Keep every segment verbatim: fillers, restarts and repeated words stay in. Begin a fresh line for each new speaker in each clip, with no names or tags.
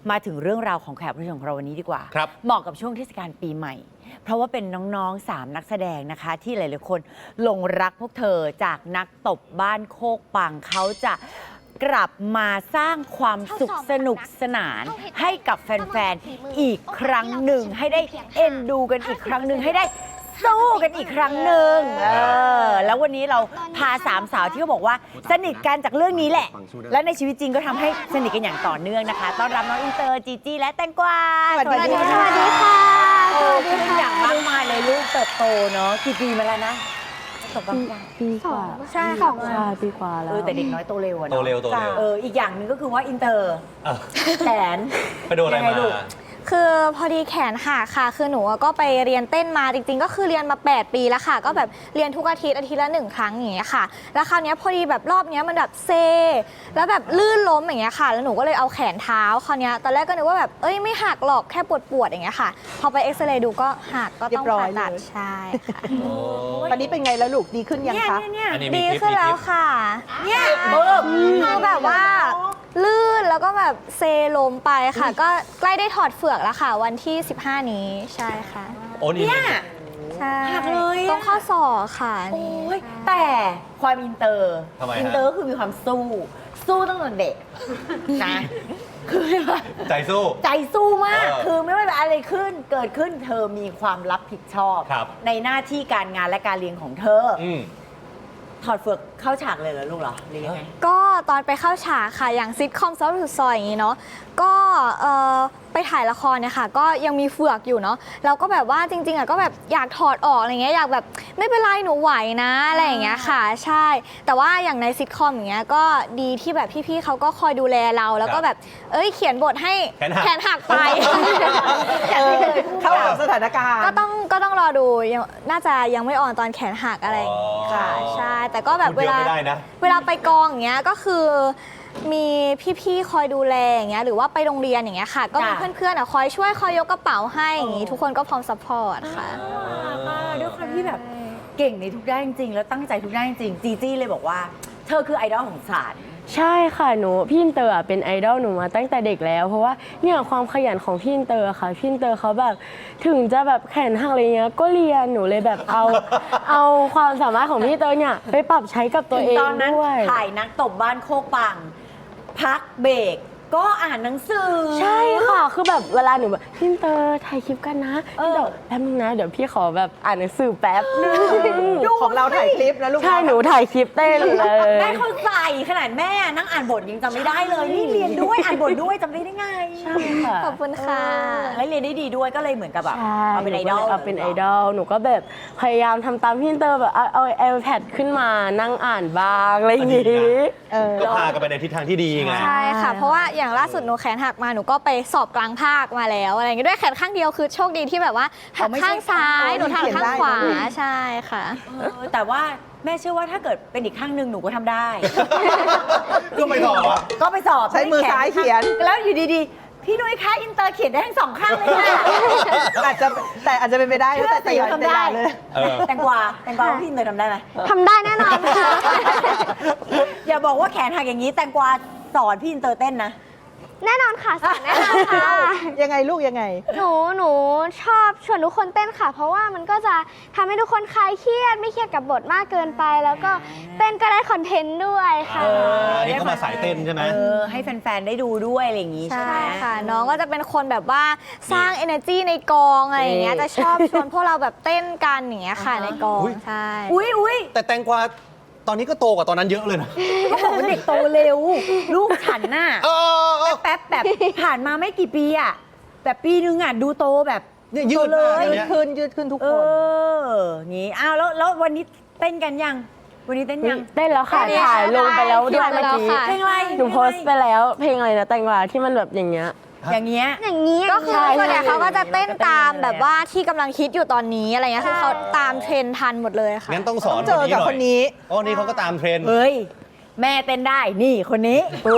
มาถึงเรื่องราวของแขกผู้เชิญของเราวันนี้ดีกว่าเหมาะกับช่วงเทศกาลปีใหม่เพราะว่าเป็นน้องๆสามนักแสดงนะคะที่หลายๆคนหลงรักพวกเธอจากนักตบบ้านโคกปังเขาจะกลับมาสร้างความสุขสนุกสนานให้กับแฟนๆอีกครั้งหนึ่งให้ได้เอ็นดูกันอีกครั้งหนึ่งให้ได้สู้กันอีกครั้งหนึ่งเออแล้ววันนี้เราพาสามสาวที่เขาบอกว่าสนิทกันจากเรื่องนี้แหละและในชีวิตจริงก็ทำให้สนิทกันอย่างต่อเนื่องนะคะต้อนรับน้องอินเตอร์จีจี้และแตงกวา
สวัสดีค่ะสวัสดีค่ะ
สวัสดีค่ะอย่างมากมายเลยลูกเติบโตเนาะกี่ปีมาแล้วนะตบบ้าง
ปีกว่า
ใช่
สองใช่ปีกว่าแล้ว
เออแต่เด็กน้อยโตเร็วอะเนาะ
โตเร็วโตเร็ว
เอออีกอย่างหนึ่งก็คือว่าอินเตอร์แขน
ไปโดนอะไรมา
คือพอดีแขนหักค่ะคือหนูก็ไปเรียนเต้นมาจริงๆก็คือเรียนมาแปดปีแล้วค่ะก็แบบเรียนทุกอาทิตย์อาทิตย์ละหนึ่งครั้งอย่างเงี้ยค่ะแล้วคราวนี้พอดีแบบรอบนี้มันแบบเซแล้วแบบลื่นล้มอย่างเงี้ยค่ะแล้วหนูก็เลยเอาแขนเท้าคราวนี้ตอนแรกก็นึกว่าแบบเอ้ยไม่หักหรอกแค่ปวดปวดอย่างเงี้ยค่ะพอไปเอ็กซเรย์ดูก็หักก็ต้องผ่าตัดใช่ค่ะ
ตอนนี้เป็นไงแล้วลูกดีขึ้นยังคะ
ดีขึ้นแล้วค่ะเนี่ยคือแบบว่าลื่นแล้วก็แบบเซล้มไปค่ะก็ใกล้ได้ถอดเฟือกแล้วค่ะวันที่สิบห้านี้ใช่ค่ะ
โอ้เนี่ย
ใช่หักเลยต้องข้อศอกค่ะนี่
แต่ความอินเตอร์
อิ
นเตอร์คือมีความสู้สู้ตั้งแต่เด็กนะคือ
ใจสู้
ใจสู้มากคือไม่ว่าอะไรขึ้นเกิดขึ้นเธอมีความรับผิดชอบในหน้าที่การงานและการเรียนของเธอถอดเฟือกเข้าฉากเลยเหรอลูกเหรอหรือยังไง
ก็ตอนไปเข้าฉากค่ะอย่างซิทคอมซอฟต์สุดซอยอย่างนี้เนาะก็ไปถ่ายละครเนี่ยค่ะก็ยังมีเฟือกอยู่เนาะเราก็แบบว่าจริงๆอ่ะก็แบบอยากถอดออกอะไรเงี้ยอยากแบบไม่เป็นไรหนูไหวนะอะไรอย่างเงี้ยค่ะใช่แต่ว่าอย่างในซิทคอมอย่างเงี้ยก็ดีที่แบบพี่ๆเขาก็คอยดูแลเราแล้วก็แบบเอ้ยเขียนบทให้แขนหักไป
เข้ากับสถานการณ์
ก็ต้องก็ต้องรอดูยังน่าจะยังไม่อ่อนตอนแขนหักอะไรค่ะใช่แต่ก็แบบเวลาเวลาไปกองอย่างเงี้ยก็คือมีพี่ๆคอยดูแลอย่างเงี้ยหรือว่าไปโรงเรียนอย่างเงี้ยค่ะก็มีเพื่อนๆคอยช่วยคอยยกกระเป๋าให้อย่างงี้ทุกคนก็พร้อมซัพพอร์ตค่ะ
ด้วยความที่แบบเก่งในทุกด้านจริงๆแล้วตั้งใจทุกด้านจริงจีจี้เลยบอกว่าเธอคือไอดอลของสาร
ใช่ค่ะหนูพี่อินเตอร์เป็นไอดอลหนูมาตั้งแต่เด็กแล้วเพราะว่าเนี่ยความขยันของพี่อินเตอร์ค่ะพี่อินเตอร์เขาแบบถึงจะแบบแขนหักอะไรเงี้ยก็เรียนหนูเลยแบบเอาเอาความสามารถของพี่อินเตอร์เนี่ยไปปรับใช้กับตัวเองด้วยตอนนั้น
ถ่ายนักตบบ้านโคกปังพักเบรกก็อ่านหนังสือ
ใช่ค่ะคือแบบเวลาหนูแบบพี่อินเตอร์ถ่ายคลิปกันนะเดี๋ยวแป๊บนึงนะเดี๋ยวพี่ขอแบบอ่านหนังสือแป๊บ
ของเราถ่ายคลิปนะลูก
ใช่หนูถ่ายคลิปเต้นเลย
แม่เข้าใจขนาดแม่นั่งอ่านบทยังจำไม่ได้เลยนี่เรียนด้วยอ่านบทด้วยจำได้ได้ไง
ใช่ค่ะ
ขอบคุณค่ะ
และเรียนได้ดีด้วยก็เลยเหมือนกับแบบ
เอาเป็นไอดอลเอาเป็นไอดอลหนูก็แบบพยายามทำตามพี่อินเตอร์แบบเอาเอาไอแพดขึ้นมานั่งอ่านบ้างอะไรอย่างนี้
ก็พากันไปในทิศทางที่ดีไง
ใช่ค่ะเพราะว่าอย่างล่าสุดหนูแขนหักมาหนูก็ไปสอบกลางภาคมาแล้วอะไรอย่างเงี้ยด้วยแขนข้างเดียวคือโชคดีที่แบบว่าหักข้างซ้ายหนูทำข้างขวาใช่ค่ะ
แต่ว่าแม่เชื่อว่าถ้าเกิดเป็นอีกข้างหนึ่งหนูก็ทำได้
ก็ไปสอบ
ก็ไปสอบ
ใช้มือซ้ายเขียน
แล้วอยู่ดีๆพี่นุ้ยคะอินเตอร์เขียนได้ทั้งสองข้างเลยค่ะ
อาจจะแต่อาจจะเป็นไปได้
แต่แต่ยังทำได้เลยแตงกวาแตงกวาพี่อินเตอร์ทำได้ไหม
ทำได้แน่นอนค่ะ
อย่าบอกว่าแขนหักอย่างนี้แตงกวาสอนพี่อินเตอร์เต้นนะ
แน่นอนค่ะสอนแน่นอนค่ะ
ยังไงลูกยังไง
หนูหนูชอบชวนทุกคนเต้นค่ะเพราะว่ามันก็จะทำให้ทุกคนคลายเครียดไม่เครียดกับบทมากเกินไปแล้วก็เต้นก็ได้คอนเทนต์ด้วยค่ะ
อันนี้เขามาสายเต้นใช่ไหม
เออให้แฟนๆได้ดูด้วยอะไรอย่างงี้ใช่ไหม
ค่ะน้องก็จะเป็นคนแบบว่าสร้าง energy ในกองอะไรอย่างเงี้ยจะชอบชวนพวกเราแบบเต้นกันอย่างเงี้ยค่ะในกองใช่
อุ้ยอุ้ย
แต่แตงกวาตอนนี้ก็โตกว่าตอนนั้นเยอะเลยนะ
ก็บอกว่าเด็กโตเร็วลูกฉันน่ะแป๊บแบบผ่านมาไม่กี่ปีอ่ะแบบปีนึงอ่ะดูโตแบบ
ยืด
เลยยืดขึ้นยืดขึ้นทุกคน
เอองี้อ้าวแล้วแล้ววันนี้เต้นกันยังวันนี้เต้นยัง
เต้นแล้วค่ะถ่ายลงไปแล้วด้วยเมื่อกี้
เพลงอะไร
หนูโพสต์ไปแล้วเพลงอะไรนะแตงกวาที่มันแบบอย่างเงี้ย
อย่างเงี้ย
อย่างเงี้ยก็คือส่วนใหญ่เขาก็จะเต้นตามแบบว่าที่กำลังฮิตอยู่ตอนนี้อะไรเงี้ยคือเขาตามเทรนทันหมดเลยค่ะ
งั้นต้องสอน
เจอกับคนนี้
อ๋อนี่เขาก็ตามเทรน
เฮ้ยแม่เต้นได้นี่คนนี้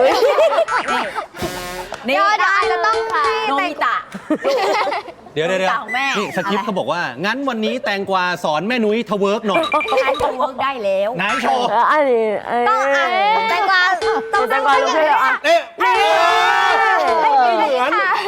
นี่เดี๋ยวอาจจะต้อง
โนมิตะ
เดี๋ยวเดี๋ยวนี่สคริปต์เขาบอกว่างั้นวันนี้แตงกวาสอนแม่นุ้ยทเวิร์กหน่อย
ไอ้ทเวิร์กได้แล้ว
ไหนโชว์
อันนี้
ต้องอ่านแตงกวา
ต้องแตงกวาลูกเพื่อนอ่ะ
เอ๊ะไม่เหมือน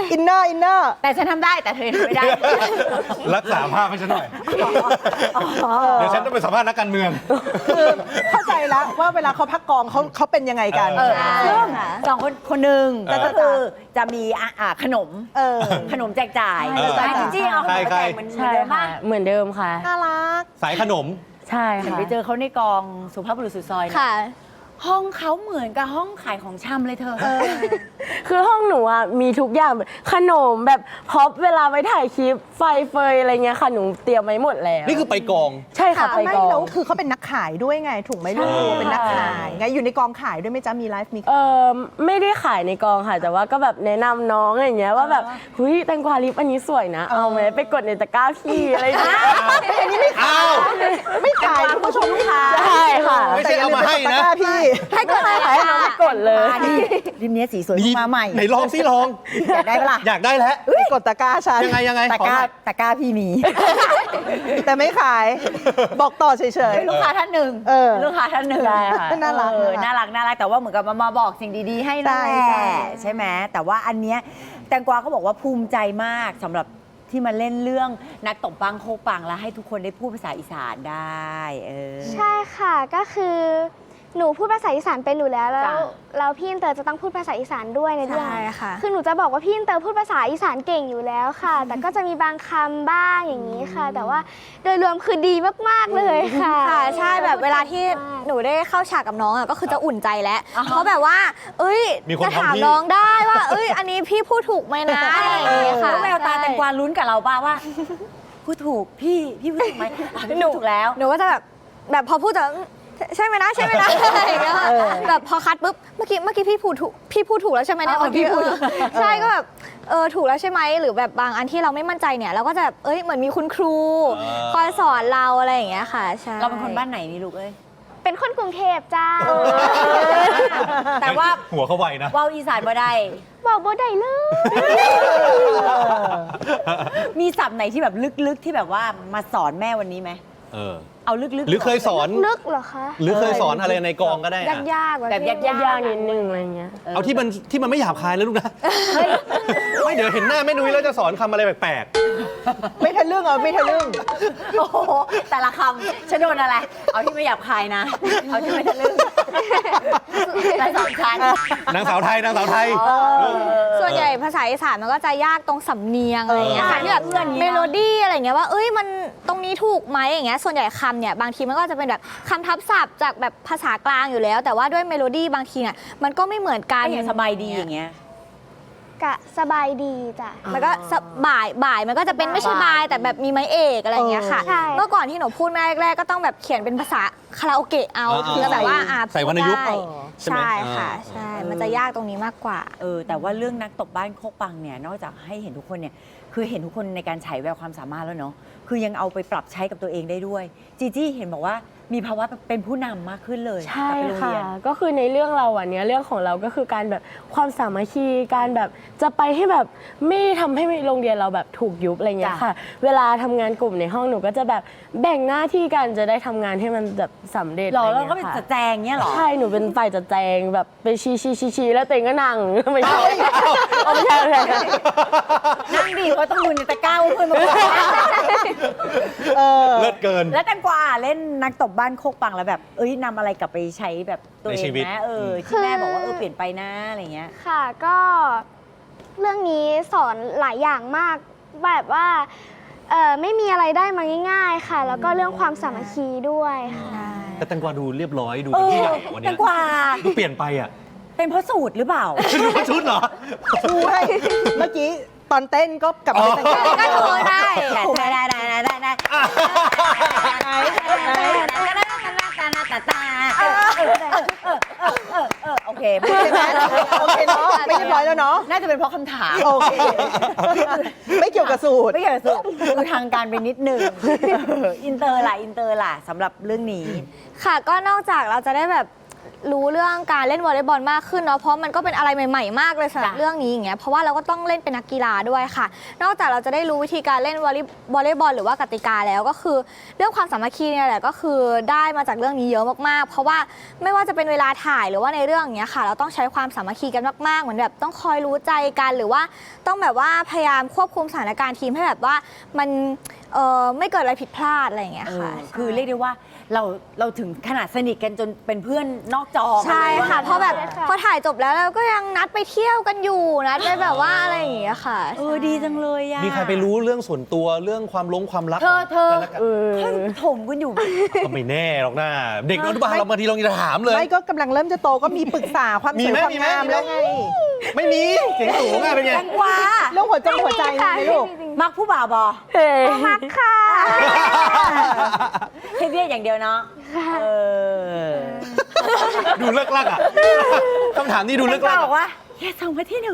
อินเนอร์อินเนอร์
แต่ฉันทำได้แต่เธอทำไม่ได้
รักษาภาพให้ฉันหน่อย เดี๋ยวฉันต้องไปสัมภาษณ์นักการเมือง
คือเข้าใจแล้วว่าเวลาเขาพักกองเขาเขาเป็นยังไงกัน
เออ
ซึ่งสองคนคนหนึ่ง
เออ
ก็คือจะมีอ่ะอ่ะขนม
เออ
ขนมแจกจ่าย
เออ
แต่จริงๆเอาขนมมาแจกเหมือน
ใช่
เดิม
ค่ะ
มาก
เหมือนเดิมค่ะ
น่ารัก
สายขนม
ใช่
เห็น
ค่ะ
ไปเจอเขาในกองสุภาพบุรุษสุดซอยนะ
ค่ะ
ห้องเขาเหมือนกับห้องขายของชำเลยเธอ
คือห้องหนูอ่ะมีทุกอย่างแบบขนมแบบพร็อพเวลาไปถ่ายคลิปไฟเฟยอะไรเงี้ยค่ะหนูเตรียมไว้หมดแล้ว
นี่คือไปกอง
ใช่ค่ะ
ค่ะ
ไป
ไม่
กอง
แล้วคือเขาเป็นนักขายด้วยไง ถูกไหมลูก
ใช่
เป็นนักขายไงอยู่ในกองขายด้วยไหมจ๊ะมีไลฟ์มี
เออไม่ได้ขายในกองค่ะ แต่ว่าก็แบบแนะนำน้องอย่างเงี้ยว่าแบบเฮ้ยแตงกวาลิปอันนี้สวยนะ เอาไหมไปกดในตะกร้าพี่อะไรอย่างเงี้ย
อ้าว
ไม่ขายคุณผู้ชมลูกค้า
ใช่ค่ะ
ไม่ใช่เอามาให้นะ
แต่อย่ลืกดตกร้พี่
ให้กดอะไรให้น้องไปกดเลย
อันนี้ริมเนี้ยสีสวยมาใหม่
ไหนลองสิลอง
อยากได้ปะล่ะ
อยากได้แล้ว
ไปกดตะกร้าฉัน
ยังไงยังไง
ตะกร้าตะกร้าพี่มี
แต่ไม่ขาย บอกต่อเฉย
ลูกค้าท่านหนึ่ง
เออ
ลูกค้าท่านหนึ่ง
ใช่ค่ะ
น่ารัก
เออ
น่า
น่า
รั
รั
ก
กน่ารักแต่ว่าเหมือนกับมามาบอกสิ่งดีๆ ให้นั่นแห
ใช่
ละ
ใช่
ใช่ไหมแต่ว่าอันเนี้ยแตงกวาก็บอกว่าภูมิใจมากสำหรับที่มาเล่นเรื่องนักตบปังโคกปังแล้วให้ทุกคนได้พูดภาษาอีสานได้เออ
ใช่ค่ะก็คือหนูพูดภาษาอีสานเป็นอยู่แล้วแล้ว
จ้ะ
แล้วพี่อินเตอร์จะต้องพูดภาษาอีสานด้วยในเรื่อง
ใช่ค่ะ
คือหนูจะบอกว่าพี่อินเตอร์พูดภาษาอีสานเก่งอยู่แล้วค่ะ แต่ก็จะมีบางคำบ้างอย่างนี้ค่ะ แต่ว่าโดยรวมคือดีมากๆเลยค่ะ
ค่ะใช่แบบเวลาที่หนูได้เข้าฉากกับน้องอ่ะก็คือจะอุ่นใจแล้วเพราะแบบว่า เอ้ย
มีคน
จะถาม
ทำพี่
น้องได้ว่า เอ้ย อันนี้พี่พูดถูกไหมนะอะไรอย่างเงี้ยค่ะ
แล้วแววตาแตงกวาลุ้นกับเราป่าว่าพูดถูกพี่พี่พูดถูกไหมอ่ะพี่พูดถูกแล้ว
หนูก็จะแบบแบบพอพูดจะใช่ไหมนะใช่ไหมนะอะไรอย่างเงี้ยค่ะแบบพอคัดปุ๊บเมื่อกี้เมื่อกี้พี่พูดถูกพี่พูดถูกแล้วใช่ไหมเนี่ย
เออ
เมื่อกี้
พี่พูด
เออใช่ก็แบบเออถูกแล้วใช่ไหมหรือแบบบางอันที่เราไม่มั่นใจเนี่ยเราก็จะแบบเอ้ยเหมือนมีคุณครู
อ่า
คอยสอนเราอะไรอย่างเงี้ยค่ะใช่
เราเป็นคนบ้านไหนนี่ลูกเอ้ย
เป็นคนกรุงเทพจ้า
แต่ว่า
หัวเขาไวนะ
ว่าวอีสานบ่ได้
บอกบ่ได้เลย
มีศัพท์ไหนที่แบบลึกๆที่แบบว่ามาสอนแม่วันนี้ไหม
เออ
เอาลึกๆ
หรือเคยสอน
ลึกเหรอคะ
หรือเคยสอนอะไรในกองก็ได้
ยา
อะ
กยากๆ
แบบยาก
ยากนิดนึงอะไรเงี้ย
เอาที่มันที่มันไม่หยาบคายแล้วลูกนะ ไม่เดี๋ยวเห็นหน้าแม่นุ้ยแล้วจะสอนคำอะไรแปลก
ไม่ทะลึ่งเอาไม่ทะลึ่ง
โอ้โหแต่ละคำฉันโดนอะไร เอาที่ไม่หยาบคายนะ เอาที่ไม่ทะลึ่งแต่สองชั้น
ๆนางสาวไทยนางสาวไทย
ส่วนใหญ่ภาษาอีสานมันก็จะยากตรงสำเนียงอะไรอย่างเงี้ยค่ะ
เออ
ที่แบบ
เพื่อนอย่างงี้
เม
เนอะ
โลดี้อะไรอย่างเงี้ยว่าเอ้ยมันตรงนี้ถูกไหมอย่างเงี้ยส่วนใหญ่คำเนี่ยบางทีมันก็จะเป็นแบบคำทับศัพท์จากแบบภาษากลางอยู่แล้ว แต่ว่าด้วยเมโลดี้บางทีเนี่ยมันก็ไม่เหมือนกัน
ก็อย่างสบายดีอย่างเงี้ย
กะสบายดีจ้ะ
มันก็สบ่ายบ่ายมันก็จะเป็นไม่ใช่บายแต่แบบมีไม้เอกอะไรอย่างเงี้ยค่ะ
ใช่
เมื่อก่อนที่หนูพูดแม่แรกๆก็ต้องแบบเขียนเป็นภาษาคาราโอเกะเอา
อ่า
ถึงจะแบบว่าอ่า
ใส่วรรณยุกต์
ได้
ใช่ไหม
ใช่ค่ะ
อ่า
ใช่มันจะยากตรงนี้มากกว่า
เออแต่ว่าเรื่องนักตบบ้านโคกปังเนี่ยนอกจากให้เห็นทุกคนเนี่ยคือเห็นทุกคนในการฉายแววความสามารถแล้วเนาะคือยังเอาไปปรับใช้กับตัวเองได้ด้วย จีจี้เห็นบอกว่ามีภาวะเป็นผู้นำมากขึ้นเลย
ใช่
กลับไปโรง
ค่ะ
เรียน
ก็คือในเรื่องเราอ่ะเนี้ยเรื่องของเราก็คือการแบบความสามัคคีการแบบจะไปให้แบบไม่ทำให้โรงเรียนเราแบบถูกยุบอะไรเงี้ย
จ้ะ
ค่ะ เวลาทำงานกลุ่มในห้องหนูก็จะแบบแบ่งหน้าที่กันจะได้ทำงานให้มันแบบสำเร็จ
หรอ
อะไร
แล้ว
งี้ย
ก็เป็น
ค่ะ
สแจงเงี้ยเหรอ
ใช่หนูเป็นฝ่ายจัดแจงแบบไปชี้ชี้ชี้ชี้แล้วตัวเองก็นั่ง ไม่ใช่เอาไม่ใช่ไม่ใช่
นั่งดีเพราะต้องดูในตะกร้าว่าเพื่อนมาบอก
เออ
เลิศเกิน
แล้วแตงกวาเล่นนักตบบ้านโคกปังแล้วแบบเอ้ยนำอะไรกลับไปใช้แบบตัวเอ
ในชี
ง
วิต
นะเออที่แม่บอกว่าเออเปลี่ยนไปนะอะไรเงี้ย
ค่ะก็เรื่องนี้สอนหลายอย่างมากแบบว่าเออไม่มีอะไรได้มาง่าย ๆ ค่ะ แล้วก็เรื่องความสามัคคีด้วยค่ะ
แต่แตงกวาดูเรียบร้อยดู
เอ
เป็น
อ
ผู้ใหญ่วัน
แต
เนี้ย
งกวา
ดูเปลี่ยนไปอ่ะ
เป็นเพราะสูตรหรือเปล่า
ดูเป็นชุดเหรอ
ชูให้เมื่อกี้ตอนเต้นก็กลับมาเป็นแต่ง
ก็โทรได้
ได้ได้ได้ได้ได้ได้โอเค
โอเคไหมโอเคเนาะไม่เรียบร้อยแล้วเนาะ
น่าจะเป็นเพราะคำถาม
โอเค ไม่เกี่ยวกับสูตร
ไม่เกี่ยวกับสูตรคือทางการไปนิดนึงอินเตอร์ล่ะอินเตอร์ล่ะสำหรับเรื่องนี้
ค่ะก็นอกจากเราจะได้แบบรู้เรื่องการเล่นวอลเลย์บอลมากขึ้นเนาะเพราะมันก็เป็นอะไรใหม่ๆมากเลยสำหรับ
จ้ะ
เรื่องนี้อย่างเงี้ยเพราะว่าเราก็ต้องเล่นเป็นนักกีฬาด้วยค่ะ นอกจากเราจะได้รู้วิธีการเล่นวอลเลย์วอลเลย์บอลหรือว่ากติกาแล้วก็คือเรื่องความสามัคคีเนี่ยแหละก็คือได้มาจากเรื่องนี้เยอะมากๆ เพราะว่าไม่ว่าจะเป็นเวลาถ่ายหรือว่าในเรื่องอย่างเงี้ยค่ะ เราต้องใช้ความสามัคคีกันมากๆเหมือนแบบต้องคอยรู้ใจกันหรือว่าต้องแบบว่าพยายามควบคุมสถานการณ์ทีมให้แบบว่ามันเอ่อไม่เกิดอะไรผิดพลาดอะไรอย่างเงี้ย
เอ
ค่ะ
อคือเรียกได้ว่าเราเราถึงขนาดสนิทกันจนเป็นเพื่อนนอกจอ
ใช่ค่ะ
กันลย
เพราะแบบ
ใช่ค่ะ
พอถ่ายจบแล้วเราก็ยังนัดไปเที่ยวกันอยู่นัดไปแบบว่าอะไรอย่างเงี้ยค่ะ
เออดีจังเลยอะ
มีใครไปรู้เรื่องส่วนตัวเรื่องความลงความลับ
เธอเธอ
กันและกัน
เออ
เฮ้ยถมกันอยู่
ก็ไม่แน่หรอกนะเด็กอนุบาลเราบางทีเราจะถามเลย
ไม่ก็กำลังเริ่มจะโตก็มีปรึกษาความ
มี
สวย
ไหม
ความ
มีไหม
งาม
มีไหม
แล้วไง
ไม่มีเสียงสูงอะเป็นไง
แตงกวา
เรื่องหัวใจหัวใจมีไหมลูก
มักผู้บ่าวบอ
เฮ้ย
มักค่ะ
แค่เรียกอย่างเดียวเนาะเออ
ดูเลิกลักอ่ะคำถามนี้ดูเลิก
แต
ลั
ง
ก
กวาบอก
อะ
ว่าอย่าส่งมาที่หนู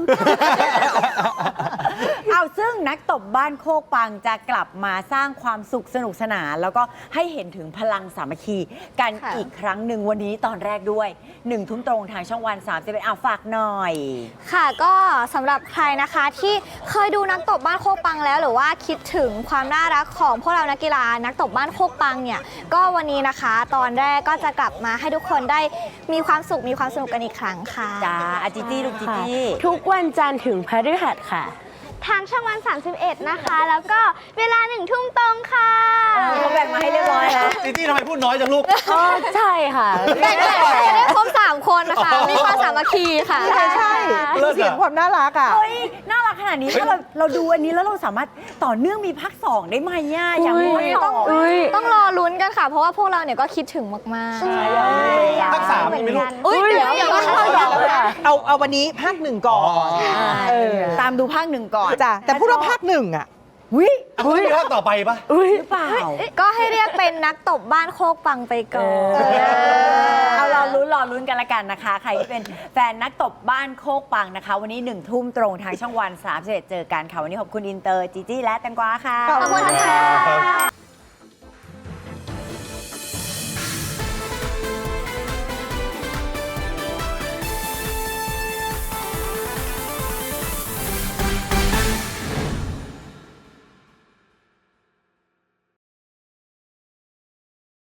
เอาซึ่งนักตบบ้านโคกปังจะกลับมาสร้างความสุขสนุกสนาน แล้วก็ให้เห็นถึงพลังสามัคคีกัน
ค่ะ
อีกครั้งหนึ่งวันนี้ตอนแรกด้วยหนึ่งทุ่มตรงทางช่องวันสามสิบเอ็ดอ่ะฝากหน่อย
ค่ะก็สำหรับใครนะคะที่เคยดูนักตบบ้านโคกปังแล้ว หรือว่าคิดถึงความน่ารักของพวกเรานักกีฬานักตบบ้านโคกปังเนี่ยก็วันนี้นะคะ ตอนแรกก็จะกลับมาให้ทุกคนได้มีความสุขมีความสนุกกันอีกครั้งค่ะ
จ้าอาจิจี้ลูกจิ
ค่ะ
จี้
ทุกวันจันทร์ถึงพฤหัสค่ะ
ทางช่องวัน สามสิบเอ็ด นะคะ แล้วก็เวลาหนึ่งทุ่มตรงค่ะ
เขาแบ่งมาให้เรียบร้อยแล้ว
จีจี้ทำไมพูดน้อยจังลูก
อ๋อใช่ค่ะ
ได้ได้จะได้ครบสามคนนะคะ มีความสามัคคีค่ะ
ใช่ใช่
เลิศอะ
เสียงความน่ารักอ่ะ
เฮ้ย น่ารักขนาดนี้ ถ้าเราเราดูอันนี้แล้วเราสามารถต่อเนื่องมีภาคสองได้ไหมอ่ะอยากรู้
อุ๊ย
ว่าต่อ
อุ๊ย
ต้องรอลุ้นกันค่ะ เพราะว่าพวกเราเนี่ยก็คิดถึงมากๆ
ภาคสามมีไหมลูก
อุ้ยเดี๋ยวเดี๋ยว
เอาเอาวันนี้ภาคหนึ่งก่อน
อ๋อ
เออ
ตามดูภาคหนึ่งก่อน
จ้ะแต่พูดว่าภาคหนึ่งอ่ะ
วิ
อ่ะคุณมีภาคต่อไปปะ
อุ้ย
หรือเปล่า
ก็ให้เรียกเป็นนักตบบ้านโคกปังไปก่อน
เอารอลุ้นรอลุ้นกันละกันนะคะ ใครที่เป็นแฟนนักตบบ้านโคกปังนะคะ วันนี้หนึ่งทุ่มตรงทางช่องวันสามสิบเอ็ดเจอกันค่ะ วันนี้ขอบคุณอินเตอร์จีจี้และแตงกวาค่ะ
ขอบคุณค่ะ